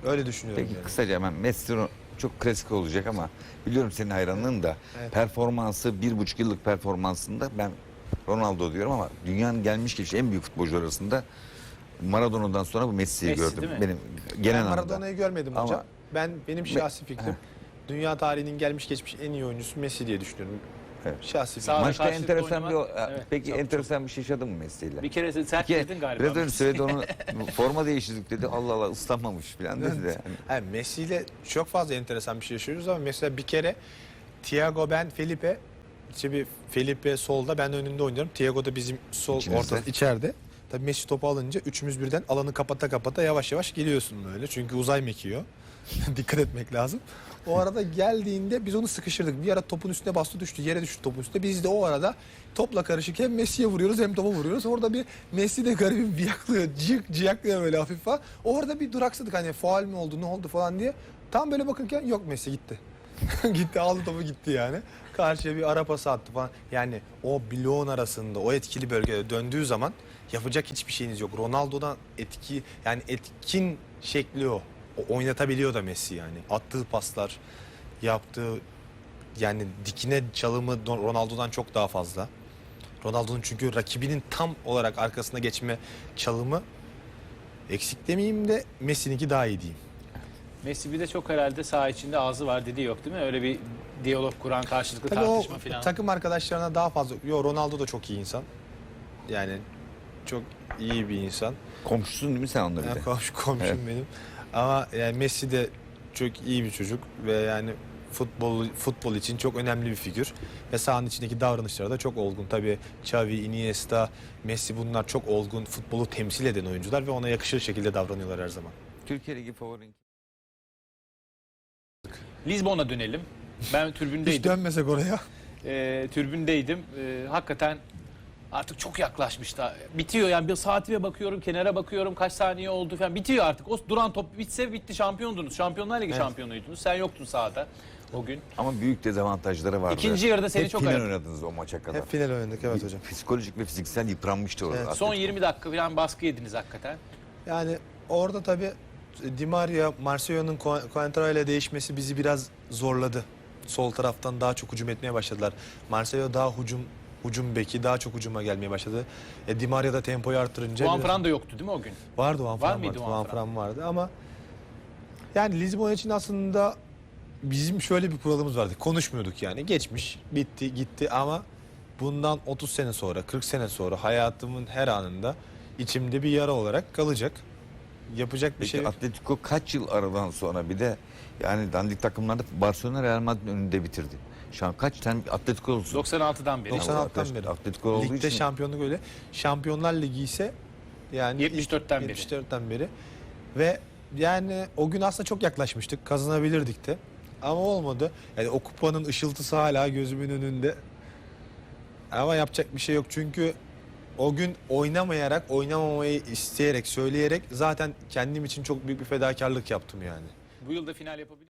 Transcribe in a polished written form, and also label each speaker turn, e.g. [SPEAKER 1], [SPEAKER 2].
[SPEAKER 1] Öyle düşünüyorum.
[SPEAKER 2] Peki
[SPEAKER 1] yani.
[SPEAKER 2] kısaca hemen Messi çok klasik olacak ama biliyorum senin hayranlığın da
[SPEAKER 1] Evet.
[SPEAKER 2] performansı 1,5 yıllık performansında ben Ronaldo diyorum ama dünyanın gelmiş geçmiş en büyük futbolcular arasında Maradona'dan sonra bu Messi'yi
[SPEAKER 3] Messi,
[SPEAKER 2] gördüm.
[SPEAKER 3] değil mi?
[SPEAKER 2] Benim
[SPEAKER 1] Ben
[SPEAKER 2] genel anlamda.
[SPEAKER 1] Maradona'yı görmedim
[SPEAKER 2] Ama-
[SPEAKER 1] hocam. Benim şahsi fikrim dünya tarihinin gelmiş geçmiş en iyi oyuncusu Messi diye düşünüyorum.
[SPEAKER 2] Evet.
[SPEAKER 1] Şahsi fikrim.
[SPEAKER 3] Sağ-
[SPEAKER 2] Maçta
[SPEAKER 3] karşılıklı
[SPEAKER 2] enteresan bir
[SPEAKER 3] oynamak, evet,
[SPEAKER 2] peki
[SPEAKER 3] çok-
[SPEAKER 2] enteresan bir şey yaşadın mı Messi'yle?
[SPEAKER 3] Bir kere sert
[SPEAKER 2] Ki
[SPEAKER 3] girdin galiba.
[SPEAKER 2] biraz önce söyledi onu forma değiştirdik dedi. Allah Allah ıslanmamış falan dedi de. Yani
[SPEAKER 1] Yani Messi ile çok fazla enteresan bir şey yaşıyoruz ama mesela bir kere Thiago, ben, Felipe, işte bir Felipe solda, ben önünde oynuyorum. Thiago da bizim sol
[SPEAKER 2] İçinizde.
[SPEAKER 1] ortada içeride. Tabii Messi topu alınca üçümüz birden alanı kapata kapata yavaş yavaş geliyorsun böyle. Çünkü uzay mekiği. Dikkat etmek lazım. O arada geldiğinde biz onu sıkıştırdık. Bir ara topun üstüne bastı, düştü. Yere düştü topun üstüne. Biz de o arada topla karışık hem Messi'ye vuruyoruz hem topa vuruyoruz. Orada bir Messi de garibim biyaklıyor. Ciyaklıyor böyle hafif falan. Orada bir duraksadık, hani faul mü oldu, ne oldu falan diye. Tam böyle bakırken yok, Messi gitti. Gitti, aldı topu gitti yani. Karşıya bir ara pası attı falan. Yani o bloğun arasında, o etkili bölgede döndüğü zaman yapacak hiçbir şeyiniz yok. Ronaldo'dan etkin şekli o. O oynatabiliyor da Messi yani. Attığı paslar, yaptığı yani dikine çalımı Ronaldo'dan çok daha fazla. Ronaldo'nun çünkü rakibinin tam olarak arkasına geçme çalımı, eksik demeyeyim de Messi'ninki daha iyi diyeyim.
[SPEAKER 3] Messi bir de çok herhalde saha içinde ağzı var dediği yok değil mi? Öyle bir diyalog kuran, karşılıklı
[SPEAKER 1] Tabii o
[SPEAKER 3] tartışma falan.
[SPEAKER 1] takım arkadaşlarına daha fazla. Ronaldo da çok iyi insan. Yani çok iyi bir insan.
[SPEAKER 2] komşusun değil mi sen onunla bir de?
[SPEAKER 1] Yani komşum
[SPEAKER 2] Evet.
[SPEAKER 1] benim. Ama yani Messi de çok iyi bir çocuk ve yani futbol için çok önemli bir figür. Ve sahanın içindeki davranışları da çok olgun. Tabii Xavi, Iniesta, Messi, bunlar çok olgun, futbolu temsil eden oyuncular ve ona yakışır şekilde davranıyorlar her zaman.
[SPEAKER 2] Türkiye Ligi favorin.
[SPEAKER 3] Lizbon'a dönelim. Ben
[SPEAKER 1] Hiç
[SPEAKER 3] tribündeydim.
[SPEAKER 1] dönmesek oraya.
[SPEAKER 3] Tribündeydim. Hakikaten artık çok yaklaşmıştı. Bitiyor yani, bir saatime bakıyorum, kenara bakıyorum, kaç saniye oldu falan. Bitiyor artık. O duran top bitse bitti, şampiyondunuz. Şampiyonlar Ligi şampiyonuydunuz. Sen yoktun sahada o gün.
[SPEAKER 2] Ama büyük dezavantajları vardı.
[SPEAKER 3] İkinci yarıda seni
[SPEAKER 2] Hep
[SPEAKER 3] çok
[SPEAKER 2] final
[SPEAKER 3] aradı.
[SPEAKER 2] oynadınız o maça kadar.
[SPEAKER 1] Hep final oynadık, evet hocam.
[SPEAKER 2] Psikolojik ve fiziksel yıpranmıştı orada.
[SPEAKER 1] Evet.
[SPEAKER 3] Son
[SPEAKER 2] Atletico.
[SPEAKER 3] 20 dakika falan baskı yediniz hakikaten.
[SPEAKER 1] Yani orada tabii Di Maria, Marcelo'nun Coentrao ile değişmesi bizi biraz zorladı. Sol taraftan daha çok hücum etmeye başladılar. Marcelo daha hücum beki, daha çok hücuma gelmeye başladı. Di Maria da tempoyu arttırınca
[SPEAKER 3] Juan
[SPEAKER 1] biraz-
[SPEAKER 3] Fran da yoktu değil mi o gün?
[SPEAKER 1] vardı, Juan Fran
[SPEAKER 3] mıydı
[SPEAKER 1] vardı.
[SPEAKER 3] Juan
[SPEAKER 1] Juan
[SPEAKER 3] Fran?
[SPEAKER 1] Fran vardı ama yani Lizbon için aslında bizim şöyle bir kuralımız vardı. Konuşmuyorduk yani. Geçmiş, bitti, gitti ama bundan 30 sene sonra, 40 sene sonra hayatımın her anında içimde bir yara olarak kalacak. Yapacak bir
[SPEAKER 2] Peki
[SPEAKER 1] şey yok.
[SPEAKER 2] Atletico kaç yıl aradan sonra bir de yani dandik takımlarda Barcelona Real Madrid önünde bitirdi. Şu an kaç tane Atletico olsun?
[SPEAKER 3] 96'dan beri.
[SPEAKER 1] 96'dan beri.
[SPEAKER 2] Atletico olduğu
[SPEAKER 1] Ligde
[SPEAKER 2] için
[SPEAKER 1] şampiyonluk öyle. Şampiyonlar Ligi ise yani
[SPEAKER 3] 74'ten beri.
[SPEAKER 1] 74'ten beri. Ve yani o gün aslında çok yaklaşmıştık. Kazanabilirdik de. Ama olmadı. Yani o kupanın ışıltısı hala gözümün önünde. Ama yapacak bir şey yok. Çünkü o gün oynamayarak, oynamamayı isteyerek, söyleyerek zaten kendim için çok büyük bir fedakarlık yaptım yani.
[SPEAKER 3] Bu yıl da final yapabilir.